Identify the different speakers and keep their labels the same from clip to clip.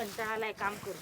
Speaker 1: कंटाळा आलाय काम करून.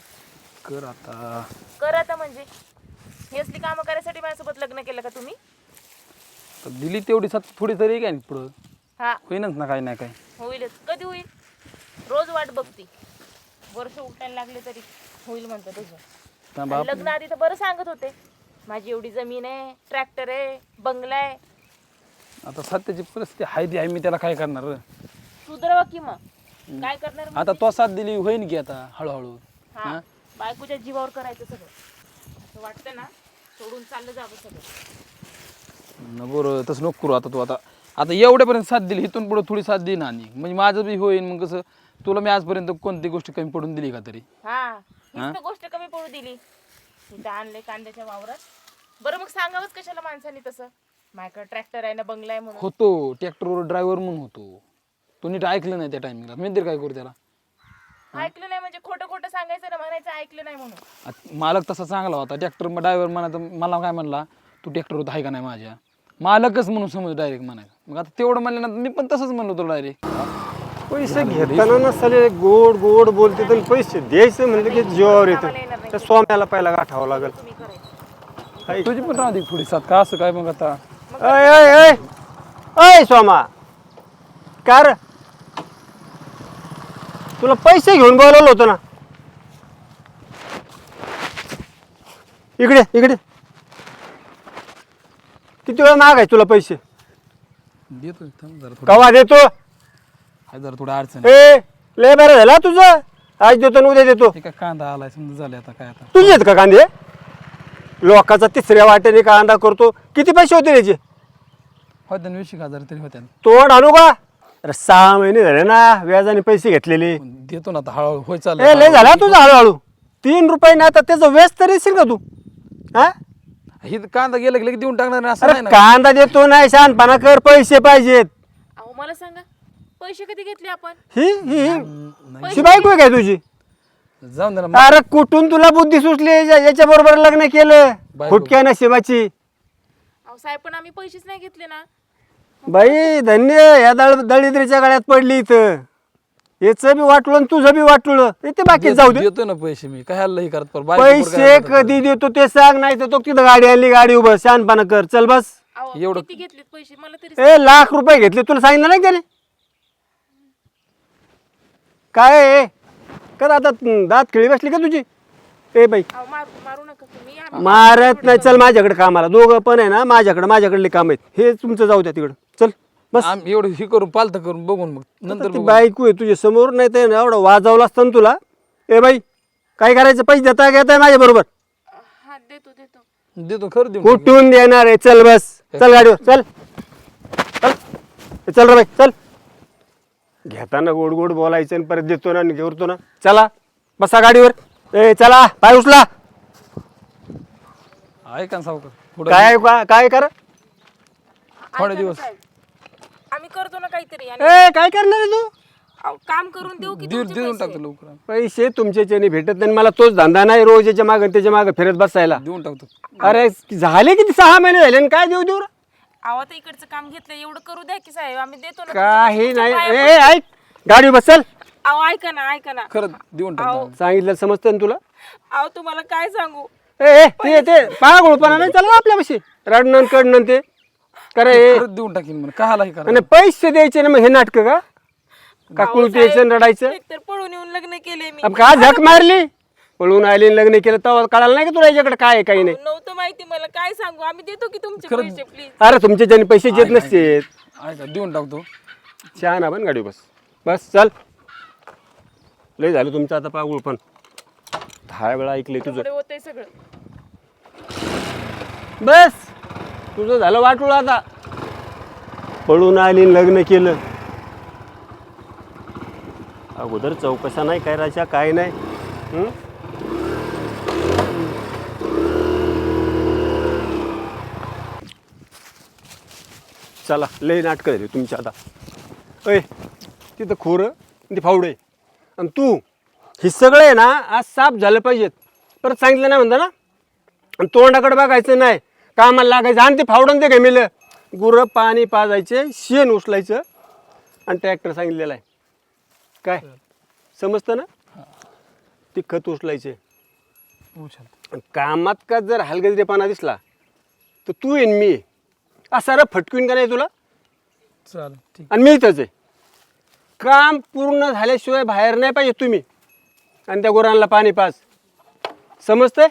Speaker 2: कर
Speaker 1: आता म्हणजे ही असली कामं करायसाठी माझ्यासोबत लग्न केलं का तुम्ही?
Speaker 2: दिली तेवढी साथ थोडी तरी काय पुढं
Speaker 1: हा
Speaker 2: होईनच ना, काय नाही काय
Speaker 1: होईलच. कधी होईल? रोज वाट बघती. वर्ष उठायला लागले तरी होईल म्हणतं तुझं. आणि लग्न आधी तर बरं सांगत होते, माझी एवढी जमीन आहे, ट्रॅक्टर आहे, बंगला आहे.
Speaker 2: आता सध्याची परिस्थिती आहे ती आहे, मी त्याला काय करणार.
Speaker 1: सुधरवा की मग. काय करणार
Speaker 2: आता तो साथ दिली होईन की आता हळूहळू.
Speaker 1: हा बायकोच्या जीवावर करायचं सगळं. असं वाटतं ना, सोडून चाललं जावं सगळं.
Speaker 2: बरं तसं नको करू. आता तू आता आता एवढ्यापर्यंत साथ दिली, इथून पुढे थोडी साथ दे ना. आणि म्हणजे माझं बी होईन. मग कसं तुला मी आजपर्यंत कोणती गोष्ट कमी पडून दिली का तरी?
Speaker 1: हीच गोष्ट कमी पडू दिली. इथं आणले कांद्याच्या वावरात. बरं मग सांगावंच कशाला माणसाने तसं? माझ्याकडे ट्रॅक्टर आहे ना, बंगला आहे म्हणून.
Speaker 2: होतो ट्रॅक्टरवर ड्रायव्हर म्हणून होतो. तू नीट ऐकलं नाही त्या टायमिंगला. मी तरी काय करू त्याला?
Speaker 1: ऐकलं नाही म्हणजे खोटं खोटं सांगायचं ना, म्हणायचं ऐकलं नाही म्हणून.
Speaker 2: मालक तसा चांगला होता. ट्रॅक्टर ड्रायव्हर म्हणायचा, मला काय म्हणला, तू ट्रॅक्टर होता आहे का नाही माझ्या? मालकच म्हणून समज डायरेक्ट म्हणायचं. मग आता तेवढं म्हणल्यानंतर मी पण तसंच म्हणलो होतो डायरेक्ट.
Speaker 3: पैसे घेताना नसले गोड गोड बोलते तर पैसे द्यायचे म्हणजे की जीवावर येतं. त्या स्वाम्याला पहिला गाठावं लागेल.
Speaker 1: तुम्ही करायचं.
Speaker 2: तुझी पण राहते थोडी साथ का? असं काय मग आता?
Speaker 3: अय अय अय अय स्वामा, कार तुला पैसे घेऊन बोलवलं होतं ना, इकडे इकडे. किती वेळा मागाय तुला पैसे?
Speaker 2: देतो थांब जरा थोडं.
Speaker 3: कवा देतो?
Speaker 2: आहे जरा थोडं अडचण.
Speaker 3: ए लय बरं झाला तुझं. आज देतो आणि उद्या देतो.
Speaker 2: हे काय कांदा आलाय समजा, झाले आता काय आता.
Speaker 3: तुझे आहेत का कांदे? लोकाचा तिसऱ्या वाट्याने कांदा करतो. किती पैसे होते त्याचे?
Speaker 2: होत्या 20,000 तरी होत्या.
Speaker 3: तोड आणू का? अरे 6 महिने झाले ना व्याजाने पैसे घेतलेले.
Speaker 2: देतो ना आता हळूहळू. होय
Speaker 3: ए
Speaker 2: चाललं.
Speaker 3: लय झाला तुझा हळूहळू. 3 रुपये नाही तर त्याचं व्याज तरी येशील का तू? हा
Speaker 2: ही कांदा गेला की लगेच देऊन टाकणार नाही असं
Speaker 3: अरे
Speaker 2: नाही ना.
Speaker 3: कांदा देतो नाही, शहाणपणा कर. पैसे पाहिजेत.
Speaker 1: अहो मला सांगा, पैसे कधी घेतले आपण?
Speaker 3: ही ही
Speaker 2: नाही.
Speaker 3: बायको आहे काय तुझी?
Speaker 2: जाऊन दे ना.
Speaker 3: अरे कुठून तुला बुद्धी सुचली याच्या बरोबर लग्न केलं?
Speaker 2: बायको.
Speaker 3: फुटक्या नशिबाची
Speaker 1: अहो साहेब, पण आम्ही पैसेच नाही घेतले ना.
Speaker 3: बाई. धन्य या दळिद्रीच्या गळ्यात पडली इथं. याचं बी वाटलं आणि तुझं बी वाटलं. ते बाकी जाऊ दे.
Speaker 2: देतो ना पैसे मी. काय हल्ला हे करत पर
Speaker 3: पैसे कधी देतो ते सांग, नाही तर तो तिथं गाडी आणली, गाडी उभं. शहाणपणा कर. चल बस.
Speaker 1: अहो
Speaker 2: एवढं-
Speaker 1: किती घेतलेत पैसे मला तरी?
Speaker 3: ए लाख रुपये घेतले. तुला सांगितलं नाही त्याने? काय आहे? कर आता. दात खिळी बसली का तुझी? ए बाई
Speaker 1: अहो मारू नका तुम्ही. आम्ही-
Speaker 3: मारत नाही. चल माझ्याकडे कामाला. दोघं पण आहे ना माझ्याकडले काम आहेत. हे तुमचं जाऊ द्या तिकडं. चल बस.
Speaker 2: एवढं हे करून पालत करून बघून मग नंतर
Speaker 3: ती
Speaker 2: बघू.
Speaker 3: बायको आहे तुझ्या समोर, नाही तर एवढं वाजवलं असतं ना तुला. ए बाई काय करायचं? पैसे देता घेताय माझ्या बरोबर?
Speaker 1: हा देतो देतो.
Speaker 2: देतो खरं देऊन.
Speaker 3: कुठून देणार आहे? चल बस. चल गाडीवर. चल चल चल रे बाई चल. घेताना गोड गोड बोलायचं आणि परत देतो ना आणि घेतो ना. चला बसा गाडीवर. ए चला पाय उचला.
Speaker 2: ऐका ना सावकार थोडं
Speaker 3: काय कर?
Speaker 2: थोडे
Speaker 1: ऐका ना
Speaker 2: दिवस.
Speaker 1: साहेब, आम्ही करतो ना काहीतरी. आणि
Speaker 3: ए काय करणार आहे तू?
Speaker 1: अहो, काम करून देऊ की तुमचे
Speaker 2: देऊन
Speaker 1: पैसे?
Speaker 2: टाकतो लवकर.
Speaker 3: पैसे तुमच्याच्याने भेटत नाही. मला तोच धंदा नाही रोज याच्या मागं त्याच्या मागं फिरत बसायला.
Speaker 2: देऊन टाकतो.
Speaker 3: अरे झाले किती 6 महिने झाले आणि काय देऊ देऊ रे?
Speaker 1: अहो आता इकडचं काम घेतलं, एवढं करू द्या की साहेब, आम्ही देतो ना.
Speaker 3: काही
Speaker 1: तुमच्या
Speaker 3: नाही.
Speaker 1: पाया
Speaker 3: ए ऐक गाडी बसल.
Speaker 1: अहो ऐका ना.
Speaker 2: खरं देऊन टाकतो.
Speaker 3: सांगितलं समजतं ना तुला?
Speaker 1: अहो तुम्हाला काय सांगू.
Speaker 3: ए ते पागोळपणा नाही चालला आपल्यापाशी. रडणं कडणं ते करे.
Speaker 2: खरंच देऊन टाकीन म्हणून काहाला हे करा.
Speaker 3: आणि पैसे द्यायचे ना मग हे नाटक का कुळू द्यायचं आणि रडायचं?
Speaker 1: एकतर पळून येऊन लग्न केले मी.
Speaker 3: अब का झक मारली? पळून आली आणि लग्न केलं तेव्हा कळालं नाही का तुला याच्याकडे काय आहे काही नाही?
Speaker 1: नव्हतं माहिती मला. काय सांगू, आम्ही देतो की तुमचे
Speaker 2: खरंच.
Speaker 1: पैसे प्लीज.
Speaker 3: अरे तुमच्या ज्याने पैसे येत नसते.
Speaker 2: ऐका देऊन टाकतो.
Speaker 3: छान आपण गाडी बस. बस चल. लय झालं तुमचं आता पागुळ पण. 10 वेळा ऐकले तुझं.
Speaker 1: पुढे होतंय सगळं.
Speaker 3: बस तुझं झालं वाटलं आता. पळून आली आणि लग्न केलं. अगोदर चौकशा नाही करायच्या काय नाही. हं? चला लय नाटकं झाली तुमची आता. अय तिथं खोरं आणि ते फावडे आणि तू हे सगळं आहे ना आज साफ झालं पाहिजेत. परत सांगितलं नाही म्हणता ना. आणि तोंडाकडे बघायचं नाही. कामाला लागायचं. आणि ते फावडून ते गमेलं. गुरं पाणी पाजायचे, शेण उचलायचं आणि ट्रॅक्टर सांगितलेलं आहे. काय समजतं ना? ते खत उचलायचे.
Speaker 2: उचल.
Speaker 3: आणि कामात का जर हलगर्जीपणा दिसला तर तू येईन मी असा फटकवीन का नाही तुला.
Speaker 2: चालेल ठीक.
Speaker 3: आणि मी इथंच आहे. काम पूर्ण झाल्याशिवाय बाहेर नाही पाहिजे तुम्ही. आणि त्या गुरांना पाणी पाज. समजतंय.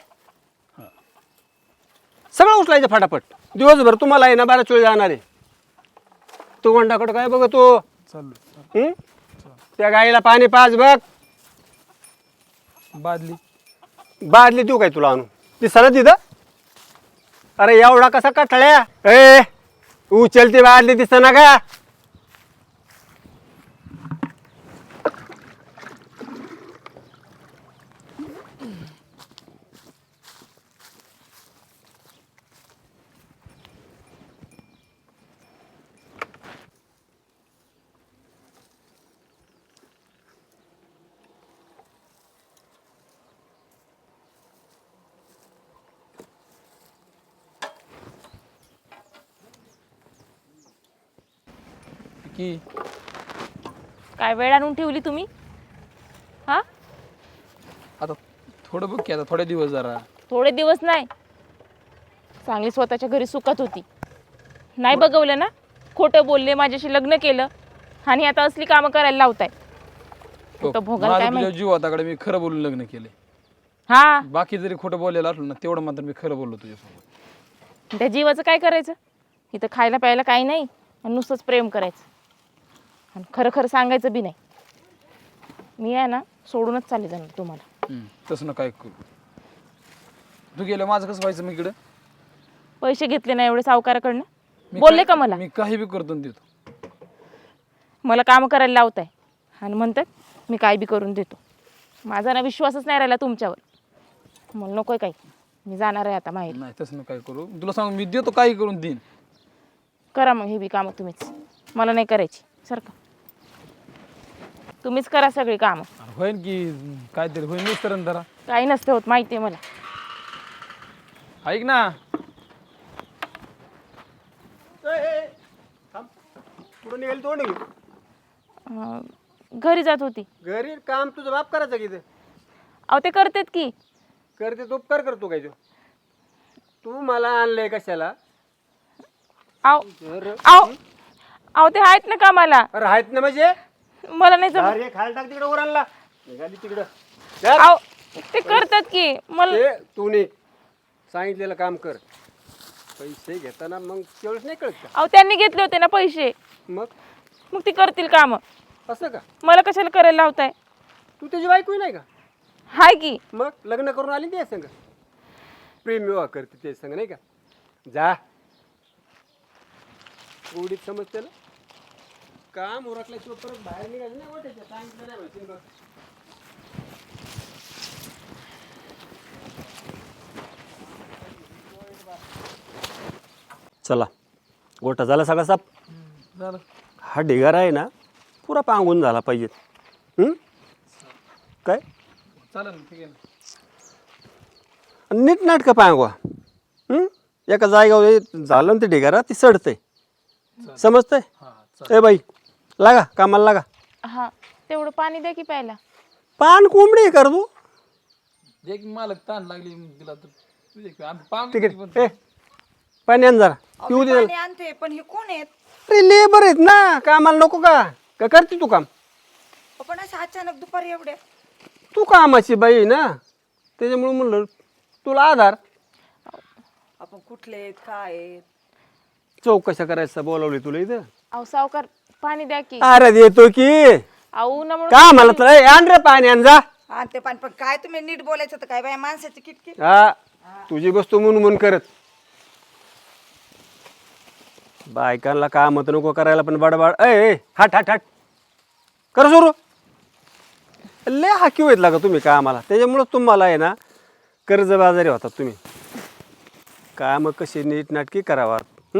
Speaker 3: सगळं उचलायचं फटाफट. दिवसभर तुम्हाला आहे ना बराच वेळ जाणार आहे. तो वंडाकडं काय बघतो.
Speaker 2: चालू.
Speaker 3: त्या गाईला पाणी पाज बघ.
Speaker 2: बादली.
Speaker 3: बादली देऊ काय तुला आणून ती सरळ तिथं. अरे एवढा कसा कठळ्या. ए उचलती बादली दिसत ना का.
Speaker 2: की
Speaker 1: काय वेळ आणून ठेवली तुम्ही? हा,
Speaker 2: आता थोडं बघ की आता थोडे दिवस जरा.
Speaker 1: थोडे दिवस नाही, चांगली स्वतःच्या घरी सुखात होती. नाही बघवलं ना, खोटं बोलले, माझ्याशी लग्न केलं आणि आता असली कामं करायला लावताय. खोटं भोगायला काय
Speaker 2: माझा तुझ्या
Speaker 1: माहिती.
Speaker 2: जीव होताकडे मी खरं बोलून लग्न केले.
Speaker 1: हा,
Speaker 2: बाकी जरी खोटं बोललेलं असलं ना तेवढं मात्र मी खरं बोललो तुझ्यासोबत.
Speaker 1: त्या जीवाचं काय करायचं. इथं खायला प्यायला काही नाही आणि नुसतंच प्रेम करायचं आणि खरं खरं सांगायचं बी नाही. मी आहे ना सोडूनच चालले जाणार तुम्हाला.
Speaker 2: तसं ना काय करू. तू गेलं माझं कसं व्हायचं मी इकडं.
Speaker 1: पैसे घेतले ना एवढे सावकाराकडनं. बोलले का मला.
Speaker 2: मी काही बी करतो आणि देतो.
Speaker 1: मला काम करायला लावताय आणि म्हणतात मी काय बी करून देतो. माझा ना विश्वासच नाही राहिला तुमच्यावर. मला नकोय काही. मी जाणार आहे आता माहेर.
Speaker 2: नाही तसं ना काय करू. तुला सांग मी देतो काही करून देईन.
Speaker 1: करा मग हे बी कामं तुम्हीच. मला नाही करायची. सारखं तुम्हीच करा सगळी कामं.
Speaker 2: होईन की काहीतरी होईन मिस्तर जरा.
Speaker 1: काही नसतं होत माहिती आहे मला.
Speaker 2: ऐक ना.
Speaker 3: पुढे निघाली तोंड घेऊ.
Speaker 1: घरी जात होती.
Speaker 3: घरी काम तुझं बाप करायचं की.
Speaker 1: अहो ते करतात की.
Speaker 3: करते तो उपकार करतो काय तो. तू मला आणलंय कशाला.
Speaker 1: अहो अहो अहो ते आहेत ना कामाला.
Speaker 3: अरे आहेत ना म्हणजे.
Speaker 1: मला नाही जमत.
Speaker 3: अरे खायला टाक तिकडे उरांना. निघाली तिकडं.
Speaker 1: अहो ते करतात की. मला
Speaker 3: ते तू नाही सांगितलेलं काम कर. पैसे घेताना मग तेवढंच नाही कळत का.
Speaker 1: अहो त्यांनी घेतले होते ना पैसे.
Speaker 3: मग
Speaker 1: मग ती करतील कामं.
Speaker 3: असं का.
Speaker 1: मला कशाला करायला लावताय.
Speaker 3: तू त्याची बायको नाही का.
Speaker 1: हाय की.
Speaker 3: मग लग्न करून आली ते संग. प्रेम विवाह करते ते संग नाही का. जा गोडीत समजते ना. काम उरकल्याशिवाय परत बाहेर निघायचं नाही. वाटायचं सांगितलं नाही माहिती बघ. चला गोटा झाला सगळा साप.
Speaker 2: झालं.
Speaker 3: हा ढिगारा आहे ना पुरा पांगून झाला पाहिजे. काय
Speaker 2: चालेल ठीक आहे ना.
Speaker 3: नीट नाटकं पांगवा. एका जागेवर झालं ना ते ढिगारा ती सडतंय. समजतंय. ए बाई लागा कामाला लागा.
Speaker 1: हा, तेवढं पाणी द्या की प्यायला.
Speaker 3: पान कोंबडी कर तू.
Speaker 2: एक मालक ताण लागली तिला तर तुझे आम्ही पाम
Speaker 3: तिकडे ए पाणी आण जरा पिऊ दे.
Speaker 4: पाणी आणते पण हे कोण आहेत.
Speaker 3: अरे लेबर आहेत ना कामाला नको का. का करते तू काम.
Speaker 4: आपण असं अचानक दुपारी एवढे.
Speaker 3: तू कामाची बाई आहे ना त्याच्यामुळे म्हणलं तुला आधार.
Speaker 4: आपण कुठले आहेत काय आहेत.
Speaker 3: चौकशा करायचं बोलावली तुला इथं.
Speaker 1: अहो सावकार पाणी द्या की.
Speaker 3: अरे देतो की.
Speaker 1: अहो ना म्हणून
Speaker 3: का मला तर ए, आण रे पाणी आण जा.
Speaker 4: आणते पाणी पण काय तुम्ही नीट बोलायचं तर काय बाय माणसाची किटकी.
Speaker 3: हा तुझी बसतो म्हणून करत. बायकांना काम तर नको करायला पण बडबड. ए हाट हाट हाट कर सुरू. लय हाकीव येत लागा तुम्ही कामाला. त्याच्यामुळं तुम्हाला आहे ना कर्जबाजारी होतात तुम्ही. काम कशी नीट नाटकी करावा.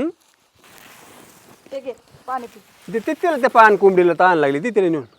Speaker 4: ते घे पाणी पी.
Speaker 3: देते तिला त्या पान कोंबडीला ताण लागली ती तिला नेऊन.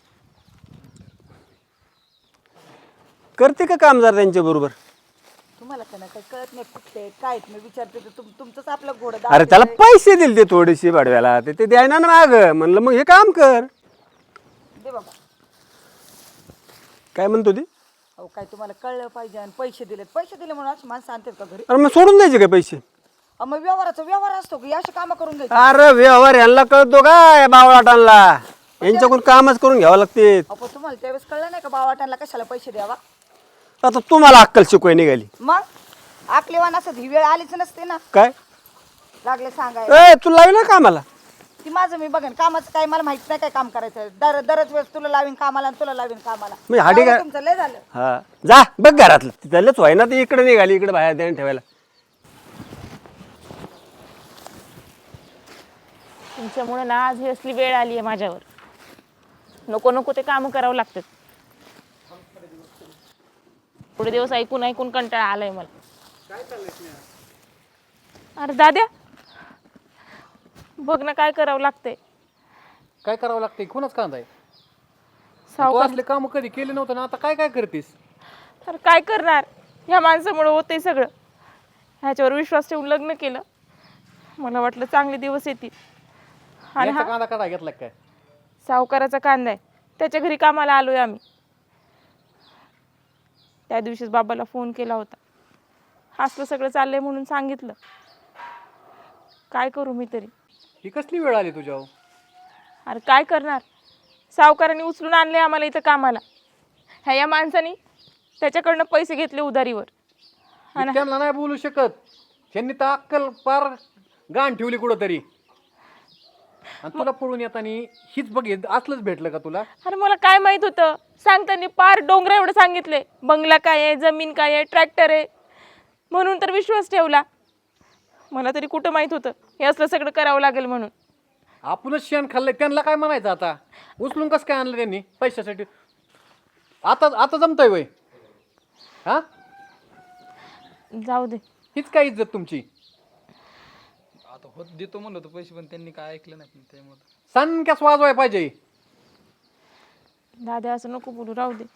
Speaker 3: करते का काम जरा त्यांच्या बरोबर.
Speaker 4: तुम्हाला का काही कळत नाही कुठले आहेत काय आहेत. मी विचारते तर तुमचंच आपलं घोडं
Speaker 3: अरे त्याला पैसे दिले ते थोडेसे भाडव्याला ते द्यायना ना माग. म्हणलं मग हे काम कर.
Speaker 4: दे बाबा.
Speaker 3: काय म्हणतो ती.
Speaker 4: अहो काय तुम्हाला कळलं पाहिजे आणि पैसे दिले म्हणून अशी माणसं आणतात का घरी?
Speaker 3: अरे मग सोडून द्यायचे काय पैसे?
Speaker 4: अहो, मग व्यवहार असतो की अशी कामं करून घ्यायची?
Speaker 3: अरे व्यवहार यांना कळतो का बावळाटांना? यांच्याकडून कामच करून घ्यावं लागते.
Speaker 4: अहो पण तुम्हाला त्यावेळेस कळलं नाही का बावाटांना कशाला पैसे द्यावा?
Speaker 3: आता तुम्हाला अक्कल शिकवाय निघाली
Speaker 4: मग आकलेवान असत ही वेळ आलीच नसते ना.
Speaker 3: काय?
Speaker 4: लागले सांगाय
Speaker 3: ए तू लावी ना कामाला?
Speaker 4: ती माझं मी बघेन कामाचं काय मला माहित नाही काय काम करायचं. दरच वेळेस तुला लावीन कामाला आणि तुला लावीन कामाला.
Speaker 3: मी हाडी
Speaker 4: एवढं
Speaker 3: काय?
Speaker 4: तुमचं लय झालं.
Speaker 3: हा जा बघ घरातलं तिथलंच व्हाय ना, ते इकडे निघाली इकडे बाहेर देणं ठेवायला.
Speaker 1: तुमच्यामुळे ना आज ही असली वेळ आली आहे माझ्यावर. नको नको ते काम करावं लागतात. पुढे दिवस ऐकून ऐकून कंटाळा आलाय मला. अरे दाद्या बघ ना काय करावं लागतंय.
Speaker 5: काय करावं लागतंय? कोणाच कांदा आहे? तू
Speaker 1: सावकार
Speaker 5: असले काम कधी केले नव्हतं ना, आता काय काय करतेस?
Speaker 1: तर काय करणार, ह्या माणसामुळे होते सगळं. ह्याच्यावर विश्वास ठेवून लग्न केलं. मला वाटलं चांगले दिवस येतील आणि
Speaker 5: याचा
Speaker 1: हा
Speaker 5: कांदा काढा घेतला काय?
Speaker 1: सावकाराचा कांदा आहे. त्याच्या घरी कामाला आलोय आम्ही. त्या दिवशीच बाबाला फोन केला होता. असलं सगळं चाललंय म्हणून सांगितलं. काय करू मी तरी.
Speaker 5: ही कसली वेळ आली तुझ्यावर?
Speaker 1: अरे काय करणार, सावकाराने उचलून आणले आम्हाला इथं कामाला. ह्या माणसाने त्याच्याकडनं पैसे घेतले उधारीवर.
Speaker 5: मी त्यांना नाही बोलू शकत. त्यांनी तर अक्कल पार गाण ठेवली कुठंतरी. आणि तुला पळून येताना हीच बघित असलंच भेटलं का तुला?
Speaker 1: अरे मला काय माहित होतं, सांगताना पार डोंगरा एवढं सांगितले. बंगला काय आहे, जमीन काय आहे, ट्रॅक्टर आहे, म्हणून तर विश्वास ठेवला. मला तरी कुठं माहित होतं हे असलं सगळं करावं लागेल म्हणून.
Speaker 5: आपणच शेण खाल्लंय, त्यांना काय म्हणायचं आता? उचलून कसं काय आणलं त्यांनी पैशासाठी? आता आता जमतंय वय हा?
Speaker 1: जाऊ दे.
Speaker 5: हीच काय इज्जत तुमची?
Speaker 2: आता होत देतो म्हणलं होतं पैसे, पण त्यांनी काय ऐकलं नाही. पण त्यामुळे
Speaker 5: सनक्यास वाजवाय पाहिजे.
Speaker 1: दादा असं नको बोलू, राहू दे.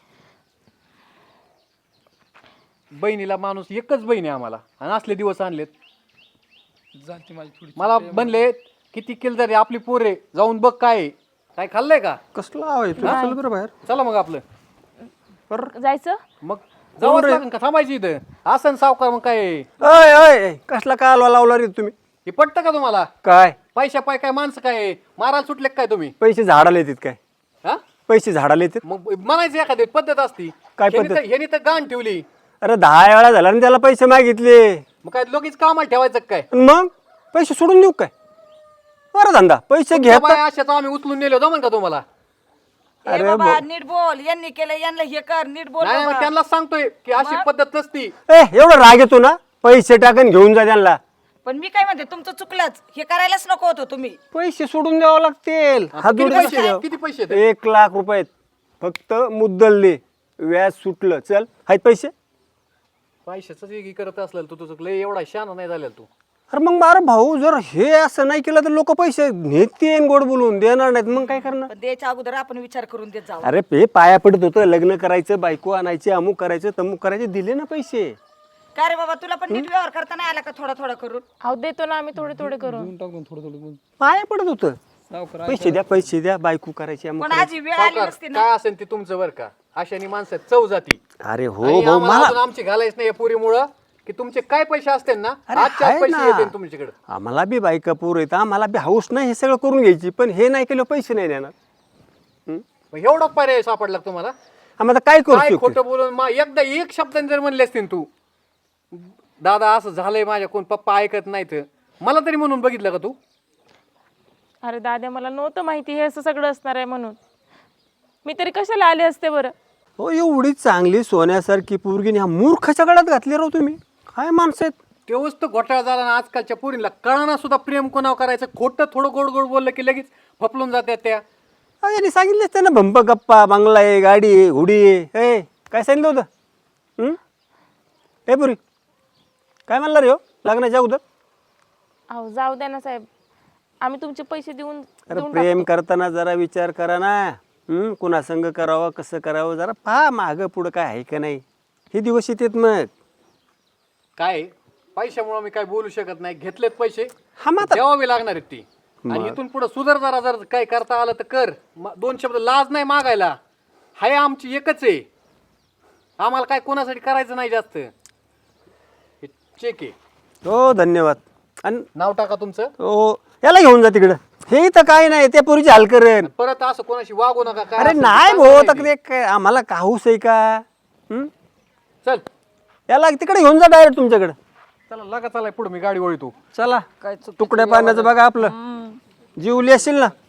Speaker 5: बहिणीला माणूस एकच बहीण आहे आम्हाला, आणि असले दिवस आणलेत.
Speaker 2: झाली माझी थोडी.
Speaker 5: मला बनले किती केलं तरी आपली पोरे जाऊन बघ काय आहे. काय खाल्लंय का?
Speaker 3: कसला आहे तू? चल बरं बाहेर.
Speaker 5: चला मग आपलं
Speaker 1: जायचं.
Speaker 5: मग जाऊच लागेल का थांबायची इथं? असं सावकार मग काय आहे?
Speaker 3: अय अय कसला कालवा लावला रे तुम्ही?
Speaker 5: हे पटतं का तुम्हाला?
Speaker 3: काय
Speaker 5: पैशा पाय काय माणसं काय आहे? मारायला सुटले काय तुम्ही?
Speaker 3: पैसे झाडाला येतात काय?
Speaker 5: हा
Speaker 3: पैसे झाडाला येतात?
Speaker 5: मग म्हणायचं एखादी पद्धत असती.
Speaker 3: काय
Speaker 5: ह्यांनी
Speaker 3: पद्धत?
Speaker 5: तर- ह्यांनी तर गाण ठेवली.
Speaker 3: अरे 10 वेळा झाला आणि त्याला पैसे मागितले.
Speaker 5: मग काय लोकीच कामाला ठेवायचं काय?
Speaker 3: आणि मग पैसे सोडून देऊ काय? बरं धंदा पैसे घ्या.
Speaker 5: बाय अशाच आम्ही उचलून नेलो जमन का तुम्हाला?
Speaker 4: ए बाबा नीट बोल. यांनी केलं यांना हे कर, नीट बोल
Speaker 5: नाही मग
Speaker 4: बाबा.
Speaker 5: त्यांना सांगतोय की अशी पद्धत नसती.
Speaker 3: एवढं राग येतो ना, पैसे टाकून घेऊन जा त्यांना.
Speaker 4: पण मी काय म्हणते तुमचं चुकलंच. हे करायलाच नको होतं तुम्ही.
Speaker 3: पैसे सोडून द्यावं लागतील.
Speaker 5: किती
Speaker 3: हात जोडून
Speaker 5: पैसे आहेत? किती पैसे आहेत?
Speaker 3: 1 लाख रुपये फक्त मुद्दल दे. व्याज सुटलं चल. आहेत पैसे?
Speaker 5: पैशाच करत असलेलं तू तुझं लय एवढा शहाणा नाही झालेला तू.
Speaker 3: अरे मग बारा भाऊ, जर हे असं नाही केलं तर लोक पैसे नेतील गोड बोलून, देणार नाहीत. मग काय करणार?
Speaker 4: पण द्यायच्या अगोदर आपण विचार करून देत जाऊ.
Speaker 3: अरे पे पाया पडत होतं, लग्न करायचं, बायको आणायची, अमुक करायचं, तमुक करायचे, दिले ना पैसे.
Speaker 4: काय रे बाबा, तुला पण नीट व्यवहार करता नाही आला का थोडा थोडा करून?
Speaker 1: अहो देतो ना आम्ही थोडे थोडे करून.
Speaker 2: देऊन टाकून थोडं थोडं
Speaker 3: पाया पडत होतं.
Speaker 2: सावकार
Speaker 3: पैसे द्या, बायको करायची, अमुक
Speaker 4: पण
Speaker 3: करायची.
Speaker 4: आजी वेळ आली
Speaker 5: सावकार,
Speaker 4: नसती ना.
Speaker 5: काय असेल ते तुमचं बरं का? अशाने माणसं चव जाती.
Speaker 3: अरे हो
Speaker 5: आणि
Speaker 3: भाऊ,
Speaker 5: आम्हाला
Speaker 3: मला
Speaker 5: अजून आमची घालायच नाही पुरीमुळं की तुमचे काय पैसे असतील ना
Speaker 3: अरे
Speaker 5: आजच्या
Speaker 3: आहे
Speaker 5: पैसे
Speaker 3: ना.
Speaker 5: येतील तुमच्याकडे.
Speaker 3: आम्हाला बी बायका पूर येतं, आम्हाला बी हाऊस नाही हे सगळं करून घ्यायची, पण हे नाही केलं पैसे नाही देणार.
Speaker 5: मग एवढा पर्याय सापडला का तुम्हाला?
Speaker 3: आम्हाला काय करू
Speaker 5: काय
Speaker 3: शकतो?
Speaker 5: खोटं बोलून एकदा एक शब्दाने जर म्हणले असतील तू, दादा असं झालंय माझ्या, कोण पप्पा ऐकत नाहीत, मला तरी म्हणून बघितलं का तू?
Speaker 1: अरे दादा मला नव्हतं माहिती हे असं सगळं असणार आहे म्हणून. मी तरी कशाला आले असते बरं.
Speaker 3: हो, एवढी चांगली सोन्यासारखी पोरगीने ह्या मूर्खाच्या गळ्यात घातली राहू तुम्ही. काय माणसं आहेत?
Speaker 5: तेव्हाच तर घोटाळा झाला ना आजकालच्या पोरींना. कळाना सुद्धा प्रेम कोणावर करायचं. खोटं थोडं गोड गोड बोललं की लगेच फपलून जात्यात त्या.
Speaker 3: अहो, यांनी सांगितलेच त्यांना भंप गप्पा, बंगला आहे, गाडी आहे, हुडी आहे. काय सांगितलं होतं? ए पुरी काय म्हणला रे हो लग्नाच्या अगोदर?
Speaker 1: अहो जाऊ द्या ना साहेब, आम्ही तुमचे पैसे देऊन
Speaker 3: अरे प्रेम करताना जरा विचार करा ना. कुणा संग करावं, कसं करावं, जरा पहा मागं पुढं काय आहे का नाही. हे दिवस येतात मग.
Speaker 5: काय पैशामुळे मी काय बोलू शकत नाही. घेतलेत पैसे,
Speaker 3: हा मग आता
Speaker 5: द्यावे लागणार आहेत ती. आणि इथून पुढे सुधार जरा जर काय करता आलं तर कर. 2 शब्द लाज नाही मागायला. हाय आमची एकच आहे. आम्हाला काय कोणासाठी करायचं नाही जास्त. हे चेक आहे.
Speaker 3: हो धन्यवाद. आणि
Speaker 5: नाव टाका तुमचं.
Speaker 3: हो याला घेऊन जा तिकडं. हे इथं काय नाही त्या पोरीची हाल करेन.
Speaker 5: परत असं कोणाशी वागू नका. काय
Speaker 3: अरे
Speaker 5: असेल ते
Speaker 3: नाही
Speaker 5: सांगा
Speaker 3: भाऊ
Speaker 5: नाही
Speaker 3: तर
Speaker 5: ते.
Speaker 3: ते आम्हाला का हौस आहे का? हं?
Speaker 5: चल
Speaker 3: याला तिकडे घेऊन जा डायरेक्ट तुमच्याकडे.
Speaker 5: चला लागा, चला पुढे मी गाडी वळतो.
Speaker 3: चला
Speaker 4: काय चुकीचं
Speaker 3: तुकड्या पाण्याचं बघा आपलं. जीवली असेल ना